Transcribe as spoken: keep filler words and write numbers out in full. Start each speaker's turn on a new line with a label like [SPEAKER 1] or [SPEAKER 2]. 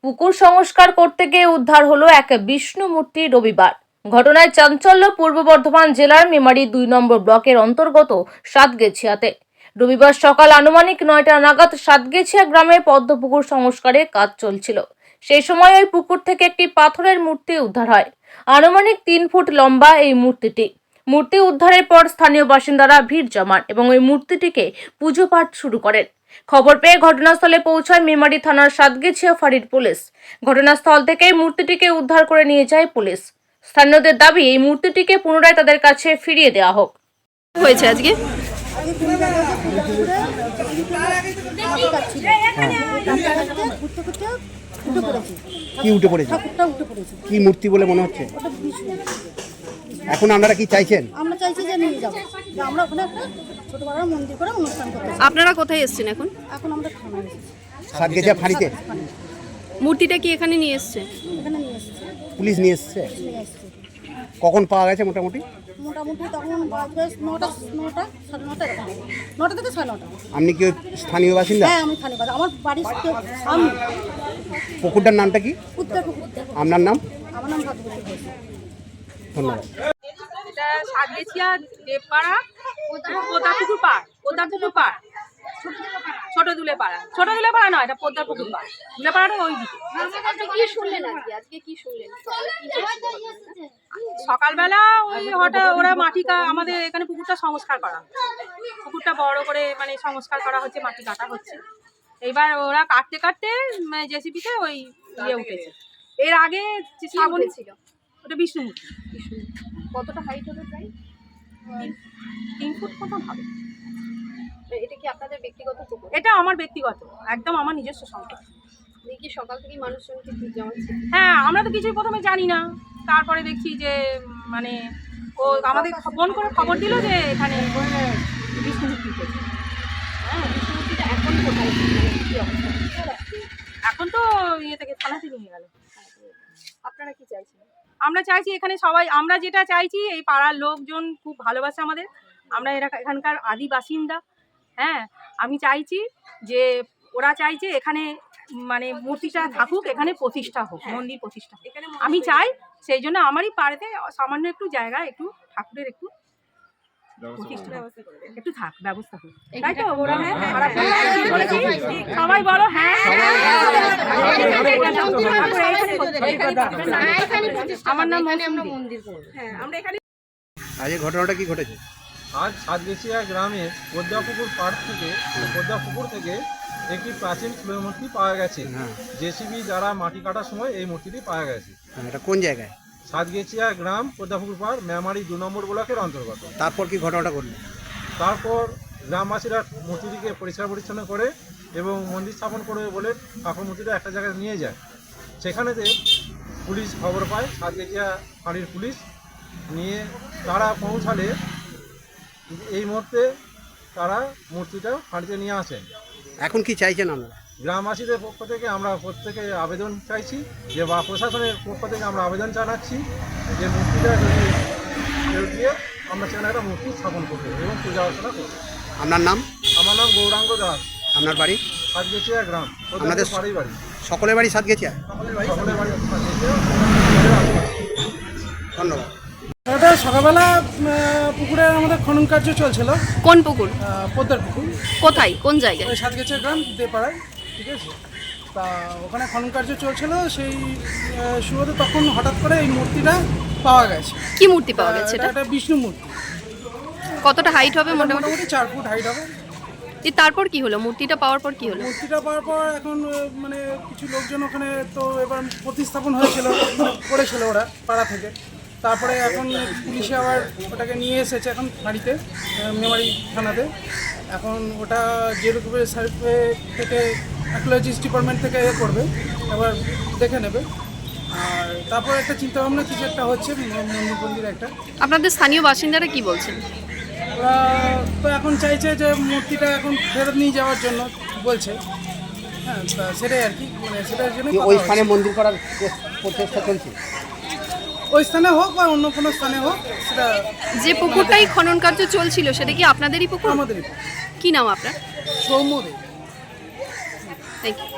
[SPEAKER 1] পুকুর সংস্কার করতে গিয়ে উদ্ধার হলো এক বিষ্ণু মূর্তি রবিবার। ঘটনায় চাঞ্চল্য পূর্ব বর্ধমান জেলার মেমারি দুই নম্বর ব্লকের অন্তর্গত সাতগেছিয়াতে। রবিবার সকাল আনুমানিক নয়টা নাগাদ সাতগেছিয়া গ্রামে পদ্মপুকুর সংস্কারে কাজ চলছিল। সেই সময় ওই পুকুর থেকে একটি পাথরের মূর্তি উদ্ধার হয়। আনুমানিক তিন ফুট লম্বা এই মূর্তিটি। মূর্তি উদ্ধারের পর স্থানীয় বাসিন্দারা ভিড় জমান এবং ওই মূর্তিটিকে পুজো পাঠ শুরু করেন। খবর পেয়ে ঘটনাস্থলে পৌঁছায় মেমারি থানার সাতগেছিয়া ফাঁড়ির পুলিশ। ঘটনাস্থল থেকে মূর্তিটিকে উদ্ধার করে নিয়ে যায় পুলিশ। স্থানীয়দের দাবি এই মূর্তিটিকে পুনরায় তাদের কাছে ফিরিয়ে দেওয়া হোক।
[SPEAKER 2] হয়েছে আজকে
[SPEAKER 3] কি উঠে পড়েছে? কি মূর্তি বলে মনে হচ্ছে? এখন আপনারা কি চাইছেন?
[SPEAKER 4] আমরা চাইছি যে নিয়ে যাব, যে আমরা ওখানে একটা ছোট বড় মন্দির করে অনুষ্ঠান করতে চাই।
[SPEAKER 2] আপনারা কোথায় এসেছেন এখন?
[SPEAKER 4] এখন আমরা থানায় এসেছি।
[SPEAKER 3] সাতগেছিয়া ফাঁড়িতে
[SPEAKER 2] মূর্তিটা কি এখানে নিয়ে এসছে?
[SPEAKER 4] এখানে নিয়ে এসেছি,
[SPEAKER 3] পুলিশ নিয়ে এসছে।
[SPEAKER 4] নিয়ে এসেছি।
[SPEAKER 3] কখন পাওয়া গেছে মোটামুটি?
[SPEAKER 4] মোটামুটি তখন বাজবে নটা নটা সাড়ে নটা এরকম, নটা থেকে সাড়ে নটা।
[SPEAKER 3] আপনি কি ওই স্থানীয় বাসিন্দা?
[SPEAKER 4] হ্যাঁ, আমি থানে বাজে, আমার বাড়ির সামনে।
[SPEAKER 3] পুকুরটার নামটা কি?
[SPEAKER 4] উত্তর পুকুর।
[SPEAKER 3] আপনার নাম?
[SPEAKER 4] আমার নাম ভাগ্যবতী ঘোষ।
[SPEAKER 3] ধন্যবাদ।
[SPEAKER 5] এটা সাতগেছিয়া দেবপাড়া পোদা পুকুর পাড়, পোদা পুকুর পাড়, ছোট দুলে পাড়া, ছোট দুলে পাড়া নয়, এটা পোদা পুকুর পাড়। দুলে পাড়াটা ওই দিকে।
[SPEAKER 2] কি শুনলেন আজকে? আজকে কি শুনলেন?
[SPEAKER 5] সকালবেলা ওই হঠাৎ ওরা মাটি কা আমাদের এখানে পুকুরটা সংস্কার করা, পুকুরটা বড় করে মানে সংস্কার করা হচ্ছে, মাটি কাটা হচ্ছে। এইবার ওরা কাটতে কাটতে জেসিপিতে ওই ইয়ে উঠেছে। এর আগে শ্রাবণ ছিল, ওটা বিষ্ণু মূর্তি।
[SPEAKER 2] কতটা হাইট হবে প্রায়?
[SPEAKER 5] তিন ফুট মতন হবে।
[SPEAKER 2] এটা কি আপনাদের ব্যক্তিগত পুকুর?
[SPEAKER 5] এটা আমার ব্যক্তিগত, একদম আমার নিজস্ব সম্পদ।
[SPEAKER 2] দেখি সকাল থেকেই মানুষজনকে ভিড় জমাচ্ছে।
[SPEAKER 5] হ্যাঁ, আমরা তো কিছুই প্রথমে জানি না, তারপরে দেখছি যে মানে ও আমাদের ফোন করে খবর দিল যে এখানে বিষ্ণু মূর্তি উঠেছে।
[SPEAKER 2] হ্যাঁ, বিষ্ণুমূর্তিটা এখন কোথায়? মানে কি অবস্থা?
[SPEAKER 5] এখন তো ইয়ে থেকে থানাতে নিয়ে গেল।
[SPEAKER 2] আপনারা কি চাইছেন?
[SPEAKER 5] আমরা চাইছি এখানে সবাই, আমরা যেটা চাইছি, এই পাড়ার লোকজন খুব ভালোবাসে আমাদের, আমরা এরা এখানকার আদি বাসিন্দা। হ্যাঁ, আমি চাইছি যে ওরা চাইছে এখানে মানে মূর্তিটা থাকুক, এখানে প্রতিষ্ঠা হোক, মন্দির প্রতিষ্ঠা হোক। আমি চাই, সেই জন্য আমারই পাড়াতে সামান্য একটু জায়গা, একটু ঠাকুরের একটু প্রতিষ্ঠা একটু থাক ব্যবস্থা হোক, তাই তো? ওরা সবাই বলো হ্যাঁ। আমার নাম মন্দির। হ্যাঁ, আমরা এখানে।
[SPEAKER 3] আজ এই ঘটনাটা কি ঘটেছে?
[SPEAKER 6] আজ সাতগেছিয়া গ্রামের পদ্মাপুকুর পাড় থেকে পদ্মাপুকুর থেকে একটি প্রাচীন ফুলের মূর্তি পাওয়া গেছে।
[SPEAKER 3] হ্যাঁ।
[SPEAKER 6] জেসিবি দ্বারা মাটি কাটার সময় এই মূর্তিটি পাওয়া গেছে।
[SPEAKER 3] হ্যাঁ, এটা কোন জায়গায়?
[SPEAKER 6] সাতগেছিয়া গ্রাম পদ্মাপুকুর পাড়, মেমারি দু নম্বর ব্লকের অন্তর্গত।
[SPEAKER 3] তারপর কি ঘটনাটা ঘটলো?
[SPEAKER 6] তারপর গ্রামবাসীরা মূর্তিটিকে পরিষ্কার পরিচ্ছন্ন করে এবং মন্দির স্থাপন করবে বলে ঠাকুর মূর্তিটা একটা জায়গায় নিয়ে যায়। সেখানেতে পুলিশ খবর পায়, সাতগেছিয়া ফাঁড়ির পুলিশ নিয়ে তারা পৌঁছালে এই মুহূর্তে তারা মূর্তিটা ফাঁড়িতে নিয়ে আসেন।
[SPEAKER 3] এখন কি চাইছেন আপনারা?
[SPEAKER 6] গ্রামবাসীদের পক্ষ থেকে আমরা প্রত্যেকে আবেদন চাইছি যে, বা প্রশাসনের পক্ষ থেকে আমরা আবেদন জানাচ্ছি যে মূর্তিটা যদি ফেরত দিয়ে আমরা সেখানে একটা মূর্তি স্থাপন করবো এবং পূজা অর্চনা করবো।
[SPEAKER 3] আপনার নাম?
[SPEAKER 6] আমার নাম গৌরাঙ্গ দাস।
[SPEAKER 3] আপনার বাড়ি?
[SPEAKER 6] সাতগেছিয়া গ্রাম,
[SPEAKER 3] আপনাদের
[SPEAKER 6] বাড়ি বাড়ি
[SPEAKER 3] সকলের বাড়ি সাতগেছিয়া?
[SPEAKER 6] সকলের বাড়ি সাতগেছিয়া।
[SPEAKER 3] ধন্যবাদ।
[SPEAKER 7] এটা সকালবেলা পুকুরে আমাদের খনন কার্য চলছিল।
[SPEAKER 2] কোন পুকুর?
[SPEAKER 7] পদ্মার পুকুর।
[SPEAKER 2] কোথায়? কোন জায়গায়?
[SPEAKER 7] ওই সাতগেছিয়া গ্রাম দেপাড়ায়, ঠিক আছে। তা ওখানে খনন কার্য চলছিল, সেই শুরুতে তখন হঠাৎ করে এই মূর্তিটা পাওয়া গেছে।
[SPEAKER 2] কি মূর্তি পাওয়া গেছে? এটা
[SPEAKER 7] একটা বিষ্ণু মূর্তি।
[SPEAKER 2] কতটা হাইট হবে? মোটামুটি
[SPEAKER 7] মোটামুটি চার ফুট হাইট হবে।
[SPEAKER 2] তারপর কি হলো? মূর্তিটা পাওয়ার পর কি হলো?
[SPEAKER 7] মূর্তিটা পাওয়ার পর এখন মানে কিছু লোকজন ওখানে তো এবার প্রতিস্থাপন হয়েছিল, করেছিল ওরা পাড়া থেকে। তারপরে এখন পুলিশে আবার ওটাকে নিয়ে এসেছে এখন বাড়িতে, মেমারি থানাতে। এখন ওটা যেরকমের সার্ভে থেকে আর্কিওলজিস্ট ডিপার্টমেন্ট থেকে এ করবে, এবার দেখে নেবে। আর তারপর একটা চিন্তাভাবনা কিছু একটা হচ্ছে, মন্দির মন্দির একটা।
[SPEAKER 2] আপনাদের স্থানীয় বাসিন্দারা কি বলছেন?
[SPEAKER 7] ওরা তো এখন চাইছে যে মূর্তিটা এখন ফেরত নিয়ে যাওয়ার জন্য বলছে। হ্যাঁ, তা সেটাই আর কি, মানে সেটার জন্য
[SPEAKER 3] ওই স্থানে মন্দির করার প্রচেষ্টা চলছে।
[SPEAKER 7] ওই স্থানে হোক বা অন্য কোনো স্থানে হোক, সেটা।
[SPEAKER 2] যে পুকুরটাই খনন কার্য চলছিল সেটা কি আপনাদেরই পুকুর?
[SPEAKER 7] আমাদেরই।
[SPEAKER 2] কি নাম আপনার?
[SPEAKER 7] সৌম্য দে।
[SPEAKER 2] Thank you.